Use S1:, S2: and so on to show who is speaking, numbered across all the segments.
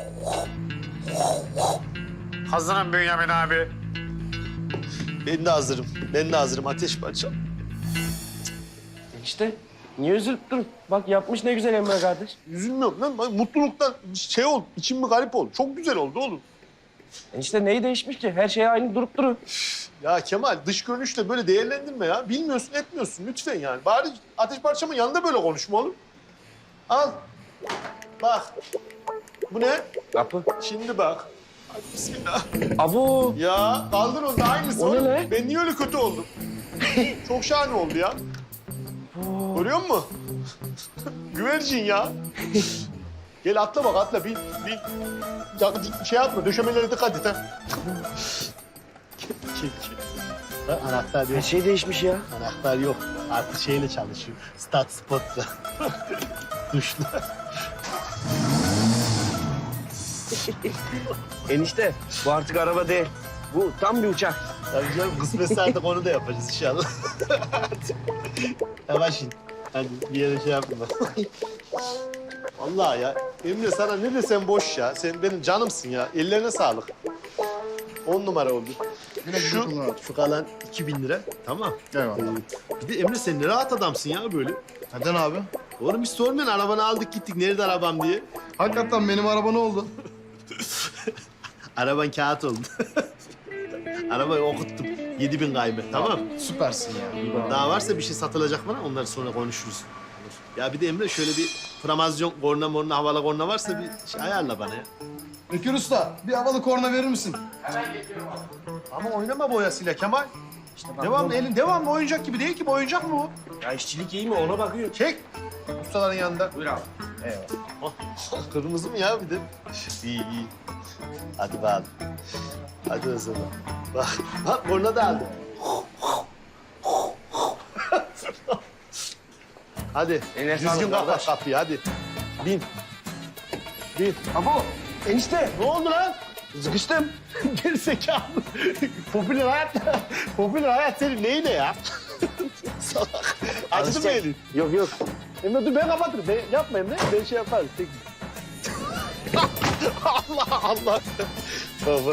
S1: Hazırım Bünyamin abi.
S2: Ben de hazırım. Ben de hazırım. Ateş parçam.
S3: İşte niye üzülüp durun? Bak yapmış ne güzel Emre kardeş.
S2: Üzülmüyorum lan. Bak, mutluluktan şey oldu. İçim bir garip oldu. Çok güzel oldu oğlum.
S3: İşte neyi değişmiş ki? Her şey aynı durup duruyor.
S2: Ya Kemal dış görünüşle böyle değerlendirme ya. Bilmiyorsun etmiyorsun lütfen yani. Bari ateş parçamın yanında böyle konuşma oğlum. Al. Bak. Bu ne?
S3: Kapı.
S2: Şimdi bak. Hadi bismillah.
S3: Abo.
S2: Ya kaldır onu da aynısı.
S3: O ne
S2: oğlum.
S3: lan?
S2: Ben niye öyle kötü oldum? Çok şahane oldu ya. Görüyor musun? Güvercin ya. Gel atla bak atla bin. Ya, şey yapma döşemelere dikkat et ha. Gel. Bak, anahtar
S3: Her
S2: yok.
S3: şey değişmiş ya.
S2: Anahtar yok. Artık şeyle çalışıyor. Start spotla. Tuşla.
S3: Enişte bu artık araba değil. Bu tam bir uçak.
S2: Tabii canım kısmetse artık onu da yapacağız inşallah. Yavaş in. Hadi bir yere şey yapma. Vallahi ya Emre sana ne desem boş ya. Sen benim canımsın ya. Ellerine sağlık. 10 numara oldu. Şu kalan 2000 lira. Tamam.
S4: Eyvallah.
S2: Bir de Emre sen ne rahat adamsın ya böyle.
S4: Neden abi?
S2: Oğlum hiç sormayın arabanı aldık gittik. Nerede arabam diye.
S4: Hakikaten benim araba ne oldu?
S2: Araban kağıt oldu. Arabayı okuttum. 7000 kaybı. Tamam.
S4: Süpersin ya.
S2: Daha varsa bir şey satılacak bana onları sonra konuşuruz. Ya bir de Emre şöyle bir framazyon korna morna havalı korna varsa bir şey ayarla bana ya.
S4: Bekir Usta, bir havalı korna verir misin?
S2: Ama oynama boyasıyla Kemal. Devamlı elin devamlı oyuncak gibi değil ki bu oyuncak mı bu?
S3: Ya işçilik iyi mi ona bakıyor.
S2: Çek. Ustaların yanında.
S3: Buyur abi.
S2: Kırmızı mı ya bir de? İyi iyi. Hadi bakalım. Hadi o zaman. Bak korna da aldım. Hadi
S3: Eline
S2: düzgün
S3: sağlık
S2: kapat
S3: kardeş.
S2: kapıyı hadi. Bin. Bin.
S3: Abo enişte.
S2: Ne oldu lan?
S3: Sıkıştım.
S2: Gerizekalı. Popüler hayat senin neyine ya? Salak. Acıdı mı elin?
S3: Yok yok.
S2: Emre dur ben kapatırım. Ben, yapma Emre. Ben şey yaparım. Tek... Allah Allah. Baba.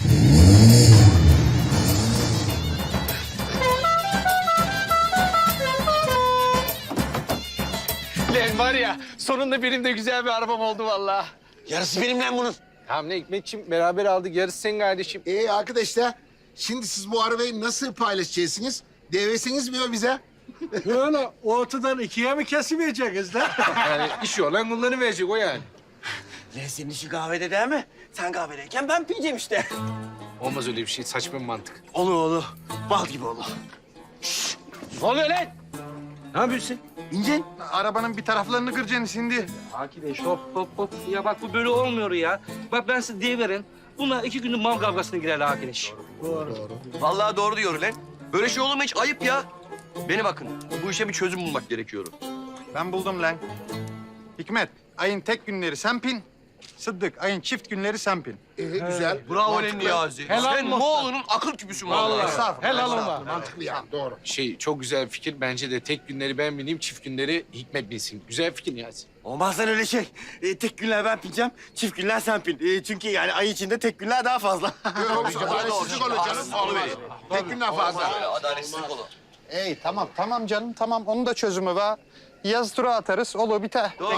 S1: Lan var ya sonunda benim de güzel bir arabam oldu vallahi.
S3: Yarısı benim lan bunun.
S1: Tamam ne Hikmetciğim beraber aldık yarısı senin kardeşim.
S5: Arkadaşlar, şimdi siz bu arabayı nasıl paylaşacaksınız? Devresiniz mi bize?
S6: Böyle ortadan ikiye mi kesimeyeceksiniz lan?
S1: Yani iş olan kullanı verecek o yani.
S3: Lan senin işin kahvede değil mi? Sen kahvedeyken ben piyeceğim işte.
S1: Olmaz öyle bir şey saçma bir mantık.
S3: Olur. Bal gibi olur.
S1: Ne oluyor lan?
S3: Ne yapıyorsun?
S6: İncin. Arabanın bir taraflarını kıracaksın şimdi.
S7: Akideş hop hop hop. Ya bak bu böyle olmuyor ya. Bak ben size diye verin. Bunlar 2 günlük mal kavgasına girerler Akideş.
S8: Vallahi doğru diyor lan. Böyle şey olur mu hiç? Ayıp ya. Beni bakın. Bu işe bir çözüm bulmak gerekiyor.
S6: Ben buldum lan. Hikmet, ayın tek günleri sen pin. Sıddık, ayın çift günleri sen pin.
S5: Güzel.
S8: Bravo lan
S5: Mantıklı.
S8: Niyazi.
S1: Helal
S8: Sen
S1: olsun.
S8: Moğol'un akıl küpüsün vallahi.
S6: Estağfurullah.
S1: Helal olma.
S5: Estağfurullah, mantıklı ya, doğru.
S1: Şey çok güzel bir fikir. Bence de tek günleri ben bineyim, çift günleri Hikmet binsin. Güzel fikir Niyazi.
S3: Olmaz lan öyle şey. Tek günler ben pineceğim, çift günler sen pin. Çünkü yani ay içinde tek günler daha fazla.
S5: Adaletsizlik olur canım. Olmaz. Tek günden fazla.
S8: Böyle adaletsizlik olur.
S6: Tamam canım, tamam. Onun da çözümü var. Yaz tura atarız, olur biter.
S8: Doğru.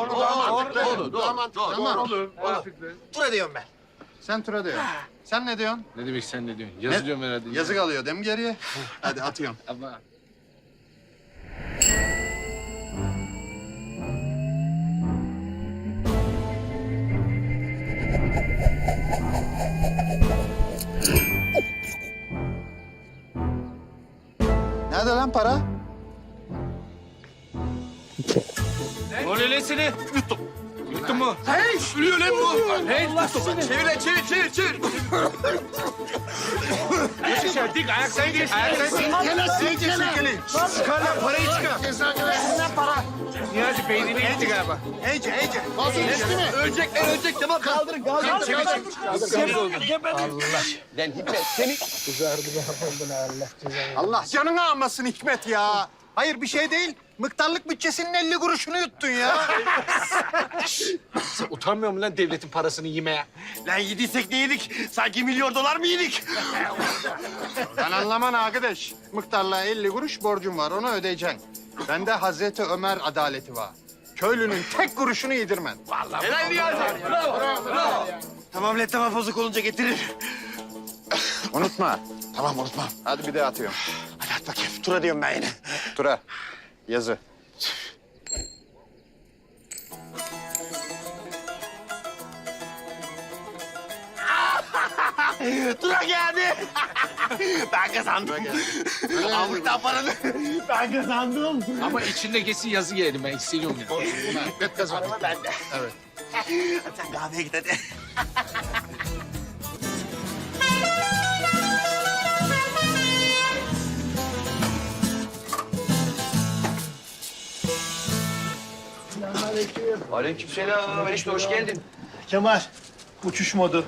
S5: Tura diyorum ben.
S6: Sen tura diyorsun. Sen ne diyorsun?
S1: Ne demek sen ne diyorsun? Yazı diyorum herhalde.
S6: Yazık alıyor değil mi geriye? Hadi atıyorum.
S1: Ama
S6: Nerede lan para?
S1: ne oluyor lan seni? Yuttum. Yuttun mu?
S8: Ölüyor lan bu. Hey, çevir lan çevir.
S1: Aşağı dik ayak sen geç. Ayak sen geç. Çıkar lan parayı çıkar. Niyazi beynine gitti galiba.
S8: Ölecek tamam. Kaldırın.
S3: Lan Hikmet seni...
S6: Allah canını almasın Hikmet ya. Hayır bir şey değil. Mıktarlık bütçesinin 50 kuruşunu yuttun ya.
S1: Sen utanmıyor musun lan devletin parasını yemeye?
S3: Lan yediysek ne yedik? Sanki milyon dolar mı yedik?
S6: Ben anlamam arkadaş. Mıktarlığa 50 kuruş borcum var, onu ödeyeceksin. Bende Hazreti Ömer adaleti var. Köylünün tek kuruşunu yedirmen. Vallahi.
S8: Helal Niyazi. Bravo.
S3: Tamam lan tamam bozuk olunca getirir.
S6: Unutma.
S3: Tamam unutmam.
S6: Hadi bir de atıyorum.
S3: Hadi at bakayım. Tura diyorum ben yine.
S6: Tura. Yazı.
S3: Tura geldi. Ben kazandım. Amıktan paranı ben kazandım.
S1: Ama içindeki yazı yerim ben hissediyorum ya.
S5: Hikmet kazandı.
S3: Araba bende. Evet. Hadi sen kahveye git hadi.
S8: Aleykümselam. Enişte hoş geldin.
S2: Kemal, uçuş modu.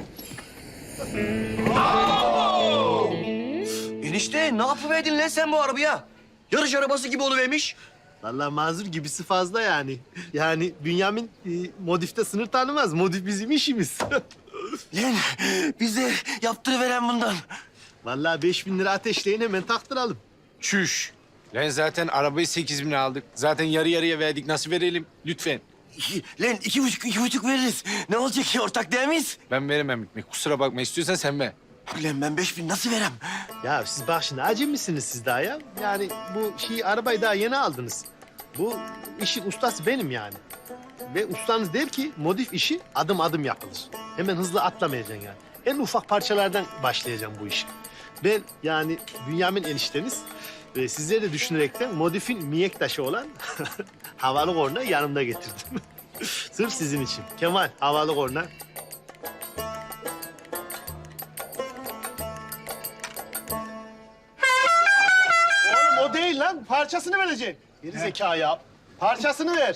S8: Enişte ne yapıverdin lan sen bu arabaya? Yarış arabası gibi oluvermiş.
S2: Vallahi mazur gibisi fazla yani. Yani Bünyamin modifte sınır tanımaz. Modif bizim işimiz.
S3: Lan bize yaptırıveren bundan.
S2: Vallahi 5.000 lira ateşleyin hemen taktıralım.
S1: Çüş. Lan zaten arabayı 8.000'e aldık. Zaten yarı yarıya verdik. Nasıl verelim? Lütfen.
S3: Lan 2,5 veririz. Ne olacak ki ortak değil miyiz?
S1: Ben veremem Hikmet. Kusura bakma. İstiyorsan sen ver.
S3: Lan ben 5.000 nasıl verem?
S2: Ya siz bak şimdi acemisiniz siz daha ya. Yani bu arabayı daha yeni aldınız. Bu işin ustası benim yani. Ve ustanız der ki modif işi adım adım yapılır. Hemen hızlı atlamayacaksın yani. En ufak parçalardan başlayacağım bu işi. Ben yani Bünyamin enişteniz sizleri de düşünerekten modifin mihenk taşı olan havalı korna yanımda getirdim. Sırf sizin için. Kemal havalı korna. Oğlum o değil lan. Parçasını vereceksin. Geri zeka ya. Parçasını ver.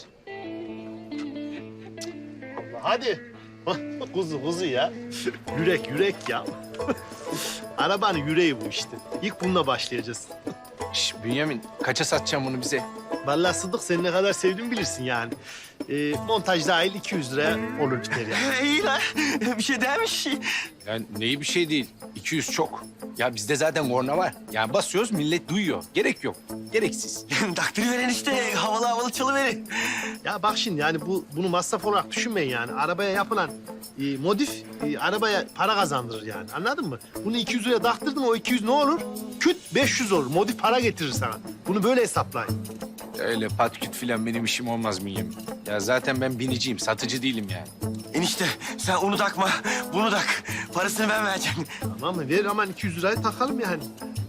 S2: Allah hadi. Kuzu ya. Yürek ya. Arabanın yüreği bu işte. İlk bununla başlayacağız.
S1: Şş, Bünyamin kaça satacaksın bunu bize?
S2: Vallahi Sıdık seni ne kadar sevdiğimi bilirsin yani. Montaj dahil 200 liraya olur biter yani.
S3: İyi lan. Bir şey demiş.
S1: Yani neyi bir şey değil. 200 çok. Ya bizde zaten korna var. Yani basıyoruz millet duyuyor. Gerek yok. Gereksiz.
S3: Takdiri veren işte havalı çalıverin.
S2: Ya bak şimdi yani bunu masraf olarak düşünmeyin yani. Arabaya yapılan modif arabaya para kazandırır yani. Anladın mı? Bunu 200 liraya taktırdın o 200 ne olur? Küt 500 olur. Modif para getirir sana. Bunu böyle hesaplayın.
S1: Öyle patküt filan benim işim olmaz Bünyamin. Ya zaten ben biniciyim. Satıcı değilim yani.
S3: Enişte sen onu takma, bunu tak. Parasını ben vereceğim.
S2: Tamam mı? Ver aman 200 lirayı takalım yani.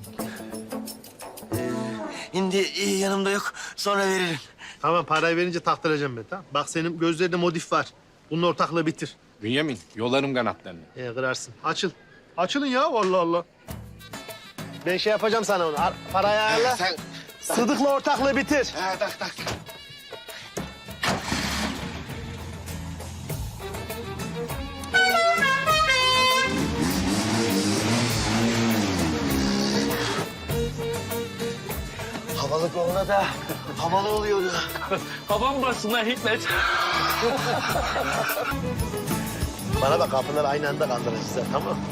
S3: Şimdi yanımda yok, sonra veririm.
S2: Tamam parayı verince taktıracağım ben tamam. Bak senin gözlerinde modif var. Bunun ortaklığı bitir.
S1: Bünyamin yolarım kanatlarını.
S2: Kırarsın. Açıl. Açılın ya Allah Allah. Ben şey yapacağım sana onu. Parayı ayarla.
S3: Sen...
S2: Sıdık'la ortaklığı bitir.
S3: Tak. Havalı koluna da havalı oluyordu.
S7: Babam bassınlar Hikmet.
S2: Bana bak kapıları aynı anda kaldıracağız ha, tamam mı?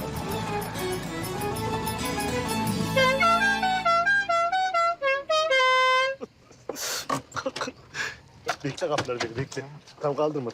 S2: Bekle kapıları beni bekle. Tam kaldırma.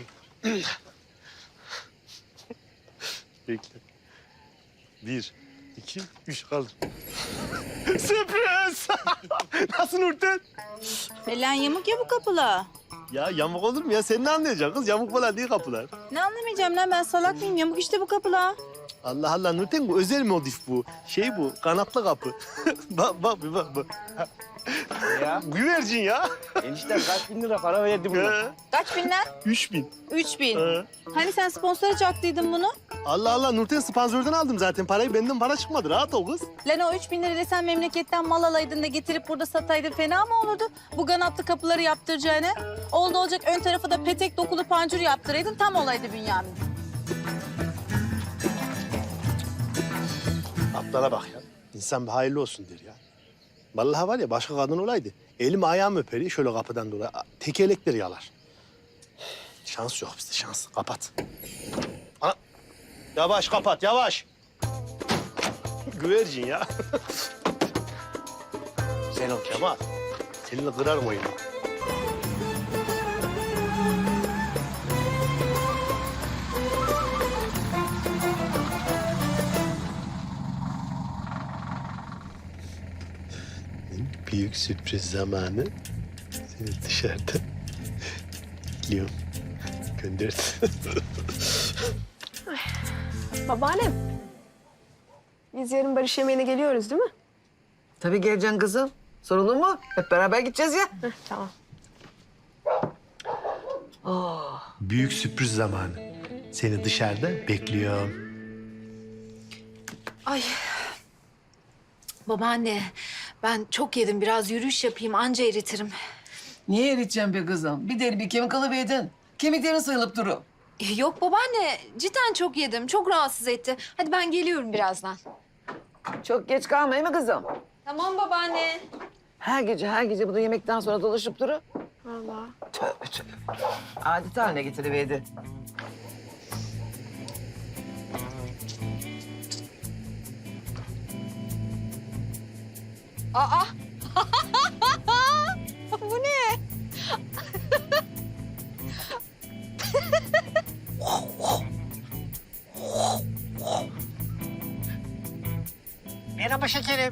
S2: Bekle. 1, 2, 3 kaldır. Sürpriz! Nasıl Nurten?
S9: Lan yamuk ya bu kapılar.
S2: Ya yamuk olur mu ya? Sen ne anlayacaksın kız? Yamuk falan değil kapılar.
S9: Ne anlamayacağım lan ben salak mıyım? Yamuk işte bu kapılar.
S2: Allah Allah Nurten bu özel modif bu. Şey bu kanatlı kapı. bak. Ya. Güvercin ya.
S3: Enişten kaç bin lira para verdi buna?
S9: Kaç bin lan?
S2: 3000.
S9: 3000. Hani sen sponsora çaktıydın bunu?
S2: Allah Allah Nurten sponsordan aldım zaten. Parayı benden para çıkmadı. Rahat ol kız.
S9: Lan o 3000 lirayla sen memleketten mal alaydın da getirip burada sataydın fena mı olurdu? Bu kanatlı kapıları yaptıracağına. Oldu olacak ön tarafa da petek dokulu pancur yaptıraydın tam olaydı Bünyamin.
S2: Ablana bak ya. İnsan bir hayırlı olsun der ya. Vallahi var ya başka kadın olaydı. Elim ayağım öperiyor şöyle kapıdan dolayı. Tekerlekleri yalar. Şans yok bizde şans. Kapat. Ana. Yavaş kapat yavaş. Güvercin ya. Sen ol Kemal. Seninle kırarım oyunu. Büyük sürpriz zamanı. Seni dışarıda bekliyorum. Gönder.
S10: Babaannem. Biz yarın barış yemeğine geliyoruz değil mi?
S11: Tabii geleceksin kızım. Sorun mu? Hep beraber gideceğiz ya.
S10: Heh, tamam.
S2: Büyük sürpriz zamanı. Seni dışarıda bekliyorum.
S12: Ay. Babaanne, ben çok yedim. Biraz yürüyüş yapayım, anca eritirim.
S11: Niye eriteceğim be kızım? Bir deri bir kemik alıverdin. Kemiklerin sayılıp duru.
S12: Yok babaanne, cidden çok yedim. Çok rahatsız etti. Hadi ben geliyorum birazdan.
S11: Çok geç kalmayın mı kızım?
S12: Tamam babaanne.
S11: Her gece bu yemekten sonra dolaşıp duru.
S10: Vallahi.
S11: Tövbe tövbe. Adet haline getiriverdi.
S12: Aa! Bu ne?
S11: Merhaba şekerim.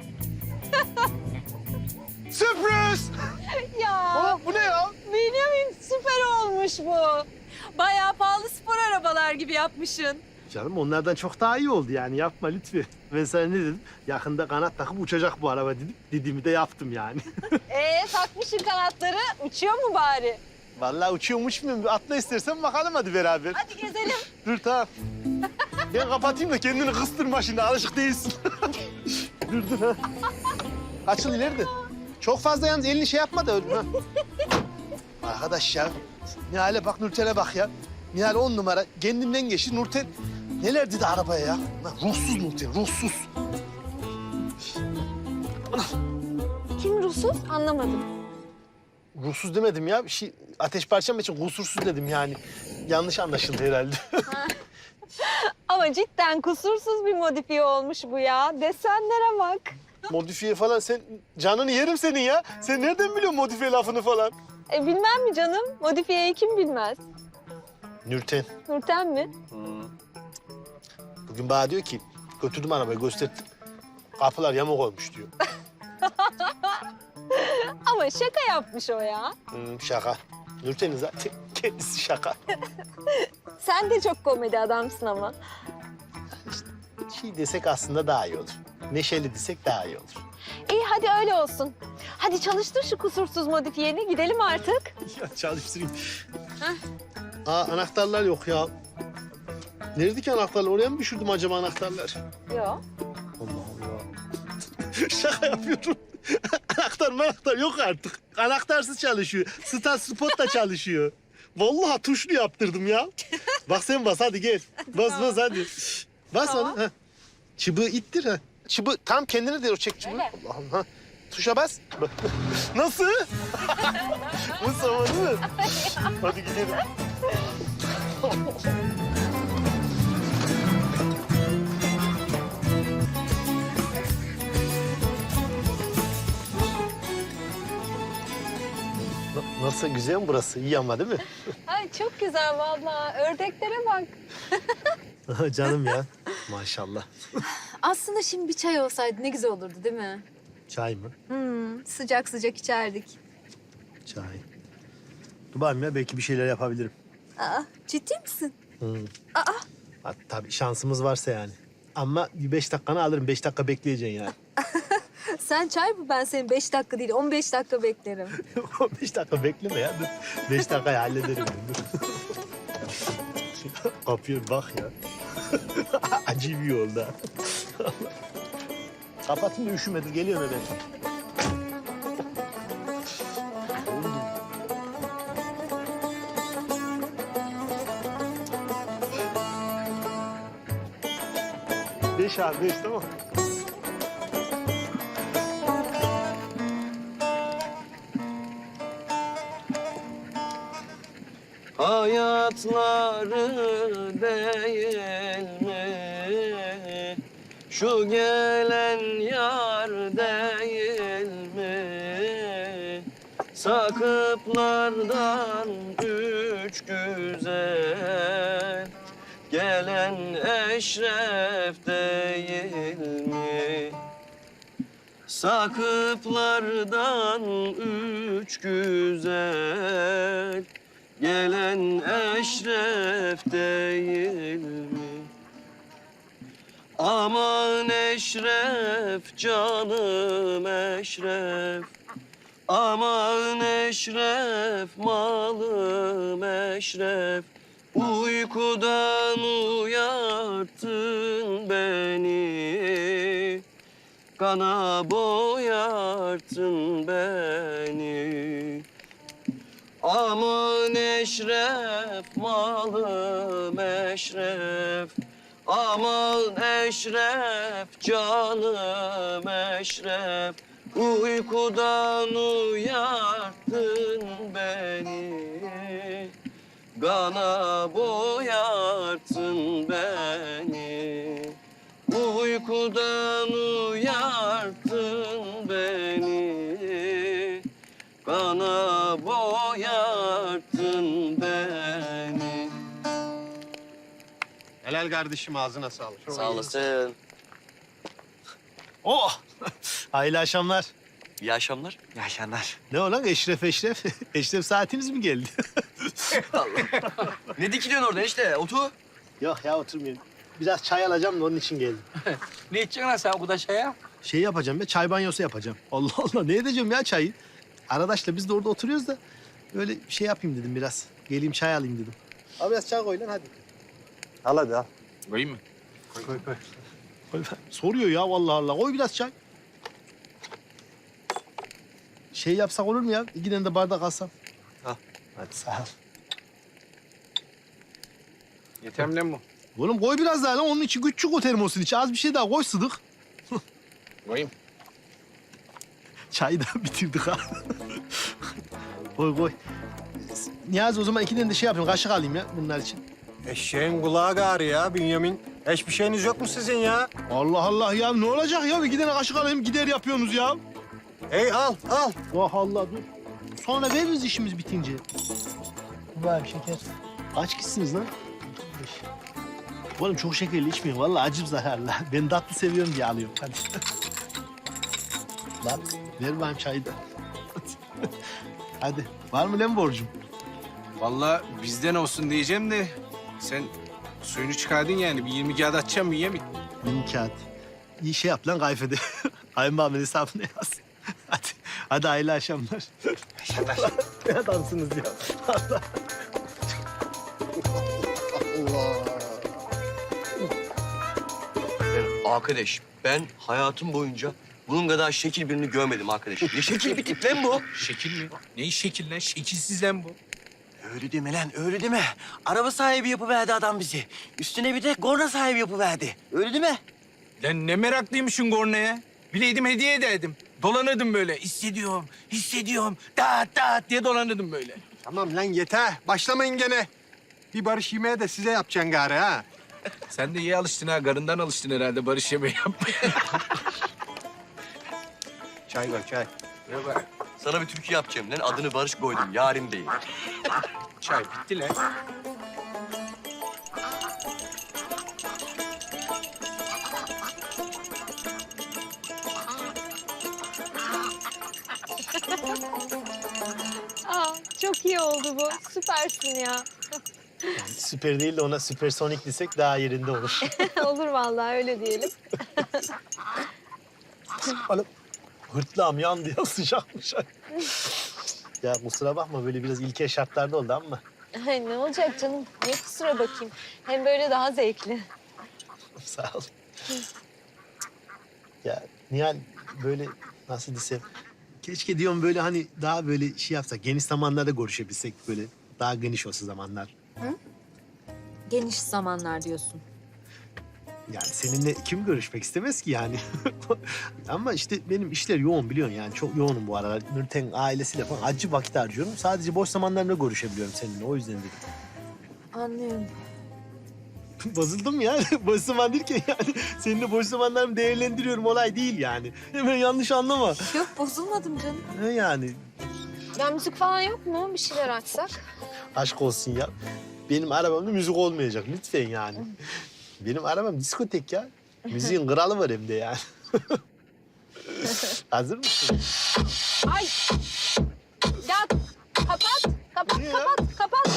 S2: Sürpriz!
S9: Ya
S2: Aa, bu ne ya?
S9: Bünyamin süper olmuş bu. Bayağı pahalı spor arabalar gibi yapmışsın.
S2: Canım onlardan çok daha iyi oldu yani yapma lütfen. Ben sana ne dedim? Yakında kanat takıp uçacak bu araba dedim. Dediğimi de yaptım yani.
S9: Takmışsın kanatları. Uçuyor mu bari?
S2: Vallahi uçuyormuş muyum? Atla istersen bakalım hadi beraber.
S9: Hadi gezelim.
S2: Dur tamam. Ben kapatayım da kendini kıstırma şimdi alışık değilsin. dur ha. Açıl ileride. Çok fazla yalnız elini şey yapma da öyle. Ha. Arkadaş ya. Nihal'e bak Nurten'e bak ya. Nihal 10 numara. Kendinden geçti Nurten. Neler dedi arabaya ya? Lan ruhsuz Nurten, ruhsuz.
S10: Kim ruhsuz? Anlamadım.
S2: Ruhsuz demedim ya. Bir şey ateş parçam için kusursuz dedim yani. Yanlış anlaşıldı herhalde.
S9: Ama cidden kusursuz bir modifiye olmuş bu ya. Desenlere bak.
S2: Modifiye falan sen canını yerim senin ya. Sen nereden biliyorsun modifiye lafını falan?
S9: Bilmem mi canım? Modifiyeyi kim bilmez?
S2: Nurten.
S9: Nurten mi?
S2: Bugün bana diyor ki götürdüm arabayı gösterdim. Kapılar yamuk olmuş diyor.
S9: Ama şaka yapmış o ya.
S2: Şaka. Nurten'in zaten kendisi şaka.
S9: Sen de çok komedi adamsın ama.
S2: Şey desek aslında daha iyi olur. Neşeli desek daha iyi olur.
S9: İyi hadi öyle olsun. Hadi çalıştır şu kusursuz modifiyeni. Gidelim artık.
S2: Ya çalıştırayım. Aa anahtarlar yok ya. Nerede ki anahtarlar? Oraya mı düşürdüm acaba anahtarlar?
S9: Yok.
S2: Allah Allah. Şaka yapıyorum. Anahtar yok artık. Anahtarsız çalışıyor. Start spot da çalışıyor. Vallahi tuşlu yaptırdım ya. Bak sen bas hadi gel. Bas hadi. Bas
S9: Tamam.
S2: onu. Ha. Çıbığı ittir ha. Çıbığı tam kendine de çek çıbığı.
S9: Öyle.
S2: Allah'ım ha. Tuşa bas. Nasıl? Bu zaman değil mi? Hadi gidelim. Nasıl güzel mi burası? İyi ama değil mi?
S9: Ay çok güzel vallahi. Ördeklere bak.
S2: Canım ya. Maşallah.
S12: Aslında şimdi bir çay olsaydı ne güzel olurdu değil mi?
S2: Çay mı?
S12: Sıcak sıcak içerdik.
S2: Çay. Dur bakayım ya belki bir şeyler yapabilirim.
S12: Aa, ciddi misin?
S2: Ha, tabii şansımız varsa yani. Ama 5 dakikanı alırım. 5 dakika bekleyeceksin yani.
S12: Sen çay bu, ben seni 5 dakika değil 15 dakika beklerim.
S2: 5 dakika bekleme ya. Dur. 5 dakikayı hallederim ben. Dur. Kapıya bak ya. Acı bir yolda. Kapatın da üşümedir. Geliyorum hemen. Beş abi, 5 tamam.
S8: hayatları değil mi? Şu gelen yar değil mi? Sakıplardan üç güzel, gelen eşref değil mi? Sakıplardan üç güzel, gelen eşref değil mi? Aman eşref, canım eşref. Aman eşref, malım eşref. Uykudan uyarttın beni, kana boyarttın beni. Aman eşref, malım eşref. Aman eşref, canım eşref. Uykudan uyarttın beni, kana boyarttın beni. Uykudan uyarttın beni, kana boyarttın beni.
S6: Helal kardeşim, ağzına sağlık.
S8: Sağ olasın.
S2: Oh! Hayırlı akşamlar.
S8: İyi akşamlar.
S3: İyi akşamlar.
S2: Ne o lan Eşref? Eşref saatiniz mi geldi?
S8: Ne dikiliyorsun orada işte? Otur.
S2: Yok ya oturmayayım. Biraz çay alacağım da onun için geldim.
S7: Ne içeceksin lan sen bu da şeye?
S2: Şey yapacağım ya, çay banyosu yapacağım. Allah Allah, ne edeceğim ya çayı? Arkadaşla biz de orada oturuyoruz da böyle şey yapayım dedim biraz. Geleyim çay alayım dedim. Abi biraz çay koy lan hadi.
S6: Al hadi al.
S1: Koyayım mı?
S6: Koy.
S2: Koy. Soruyor ya vallahi Allah. Koy biraz çay. Şey yapsak olur mu ya? 2 tane de bardak alsam.
S8: Al.
S2: Hadi sağ ol.
S1: Yeter mi lan bu?
S2: Oğlum koy biraz daha lan. Onun için küçük o termosun içi. Az bir şey daha koy Sıdık.
S1: Koyayım.
S2: Çayı da bitirdik ha. Koy. Niyazi o zaman 2 tane de şey yapayım. Kaşık alayım ya bunlar için.
S6: Eşeğin kulağı gari ya Bünyamin. Hiçbir şeyiniz yok mu sizin ya?
S2: Allah Allah ya ne olacak ya? 2 tane kaşık alayım gider yapıyorsunuz ya.
S6: Hey al.
S2: Allah Allah dur. Sonra veririz işimiz bitince. Var şeker. Kaç kişisiniz lan? 5. Oğlum çok şekerli içmeyin. Vallahi acım zararlı. Ben tatlı seviyorum diye alıyorum. Hadi. Lan ver bana çayı da. Hadi. Var mı lan borcum?
S1: Vallahi bizden olsun diyeceğim de sen suyunu çıkardın yani. Bir 20 kağıt atacağım mı yemin?
S2: 20 kağıt. İyi şey yap lan kayfede. Kayınbağımın hesabını yaz. Hadi hayırlı akşamlar.
S6: Akşamlar.
S2: Ne adamsınız ya. Allah.
S8: Arkadaş, ben hayatım boyunca bunun kadar şekil birini görmedim arkadaş. Ne şekil bir tip lan bu?
S1: Şekil mi? Ne şekil lan? Şekilsiz lan bu.
S3: Öyle deme lan, öyle deme. Araba sahibi yapıverdi adam bizi. Üstüne bir de korna sahibi yapıverdi. Öyle değil mi?
S1: Lan ne meraklıymışsın kornaya. Bileydim hediye ederdim. Dolanırdım böyle. Hissediyorum. Dağıt diye dolanırdım böyle.
S6: Tamam lan yeter. Başlamayın gene. Bir barış yemeği de size yapacaksın gari ha.
S1: Sen de iyi alıştın ha. Karından alıştın herhalde barış yemeği yapmaya.
S6: Çay ver çay.
S1: Ne var?
S8: Sana bir türkü yapacağım lan. Adını Barış koydum. Yarim değil.
S1: Çay bitti lan.
S10: Aa, çok iyi oldu bu. Süpersin ya.
S2: Süper değil de ona süpersonik desek daha yerinde olur.
S10: Olur vallahi öyle diyelim.
S2: Oğlum hırtlağım yandı ya sıcakmış. Ya kusura bakma böyle biraz ilkel şartlarda oldu ama.
S10: Ay ne olacak canım? Niye kusura bakayım? Hem böyle daha zevkli.
S2: Sağ ol. Ya Nihal böyle nasıl desem. Keşke diyorum böyle hani daha böyle şey yapsak. Geniş zamanlarda görüşebilsek böyle. Daha geniş olsa zamanlar.
S12: Geniş zamanlar diyorsun.
S2: Yani seninle kim görüşmek istemez ki yani. Ama işte benim işler yoğun biliyorsun yani. Çok yoğunum bu aralar. Nurten ailesiyle falan acı vakit harcıyorum. Sadece boş zamanlarımda görüşebiliyorum seninle. O yüzden dedim.
S12: Anlıyorum.
S2: Bozuldum ya. Boş zaman derken yani senin de boş zamanlarımı değerlendiriyorum olay değil yani. Hemen yanlış anlama.
S12: Yok bozulmadım canım.
S2: Ne yani?
S12: Ya müzik falan yok mu? Bir şeyler açsak.
S2: Aşk olsun ya. Benim arabamda müzik olmayacak lütfen yani. Benim arabam diskotek ya. Müziğin kralı var hem de yani. Hazır mısın?
S12: Ay! Ya kapat, kapat,
S2: Niye ya?
S12: kapat.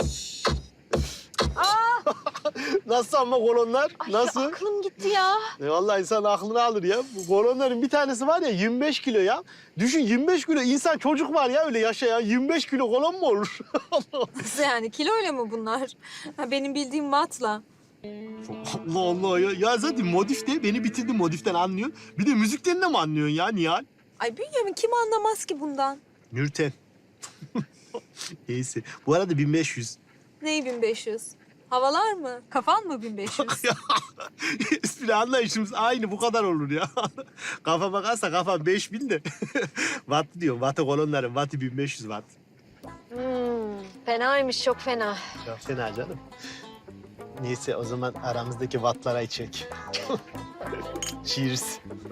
S12: Aa!
S2: Nasıl ama kolonlar?
S12: Ay,
S2: Nasıl?
S12: aklım gitti ya.
S2: Vallahi insan aklını alır ya. Bu kolonların bir tanesi var ya 25 kilo ya. Düşün 25 kilo insan çocuk var ya öyle yaşayan. 25 kilo kolon mu olur?
S12: Nasıl yani? Kiloyla mı bunlar? Ha, benim bildiğim wattla.
S2: Allah Allah ya. Ya zaten modif de beni bitirdi modiften anlıyorsun. Bir de müzikten de mi anlıyorsun ya Nihal?
S12: Ay Bünyamin kim anlamaz ki bundan?
S2: Nurten. Neyse. Bu arada 1500.
S12: Neyi 1500? Havalar mı? Kafan mı 1500?
S2: Espri anlayışımız aynı bu kadar olur ya. Kafa bakarsa kafam 5000 de. Watt diyorum. Watt'ı kolonların. Watt'ı 1500 watt.
S12: Fenaymış, çok fena.
S2: Çok fena canım. Neyse o zaman aramızdaki wattlara içecek. Cheers.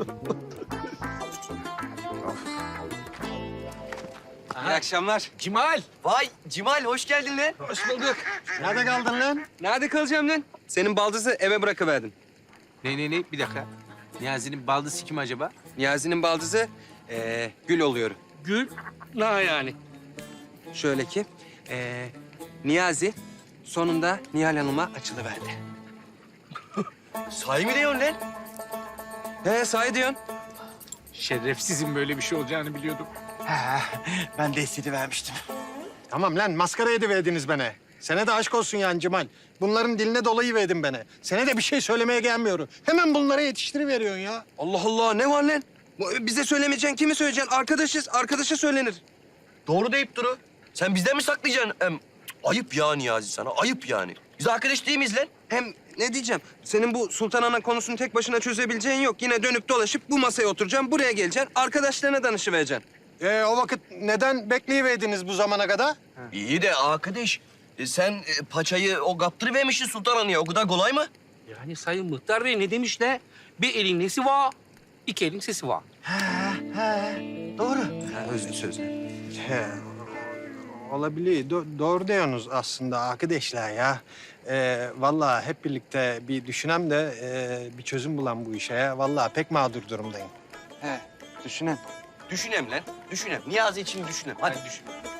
S8: İyi akşamlar.
S3: Cimal.
S8: Vay Cimal hoş geldin lan.
S3: Hoş bulduk.
S6: Nerede kaldın lan?
S8: Nerede kalacağım lan? Senin baldızı eve bırakıverdim.
S1: Ne? Bir dakika. Niyazi'nin baldızı kim acaba?
S8: Niyazi'nin baldızı Gül oluyor.
S7: Gül. Ne yani?
S8: Şöyle ki Niyazi sonunda Nihal Hanım'a açılıverdi. Sahi mi diyorsun lan? He sahi diyorsun.
S1: Şerefsizin böyle bir şey olacağını biliyordum.
S3: Ben de hissedivermiştim.
S6: Tamam lan maskara ediverdiniz beni. Sene de aşk olsun yani Cemal. Bunların diline dolayı verdin beni. Sene de bir şey söylemeye gelmiyorum. Hemen bunlara yetiştiriveriyorsun ya.
S8: Allah Allah ne var lan? Bize söylemeyeceksin, kimi söyleyeceksin? Arkadaşız, arkadaşa söylenir. Doğru deyip duru. Sen bizden mi saklayacaksın? Ayıp ya Niyazi sana, ayıp yani. Biz arkadaş değil miyiz lan? Hem ne diyeceğim? Senin bu Sultan Ana konusunu tek başına çözebileceğin yok. Yine dönüp dolaşıp bu masaya oturacaksın, buraya geleceksin. Arkadaşlarına danışıvereceksin.
S6: O vakit neden bekleyiverdiniz bu zamana kadar?
S8: İyi de arkadaş, sen paçayı o kaptırıvermişsin Sultan Ana'ya. O kadar kolay mı?
S7: Yani Sayın Muhtar Bey ne demişler? Bir elin nesi var, iki elin sesi var.
S2: Doğru.
S8: Ha, özlü sözlü.
S6: He, olabilir. Doğru diyorsunuz aslında arkadaşlar ya. Vallahi hep birlikte bir düşünem de bir çözüm bulan bu işe. Vallahi pek mağdur durumdayım.
S8: He, düşünem. Düşünem lan, düşünem. Niyazi için düşünem. Hadi düşün.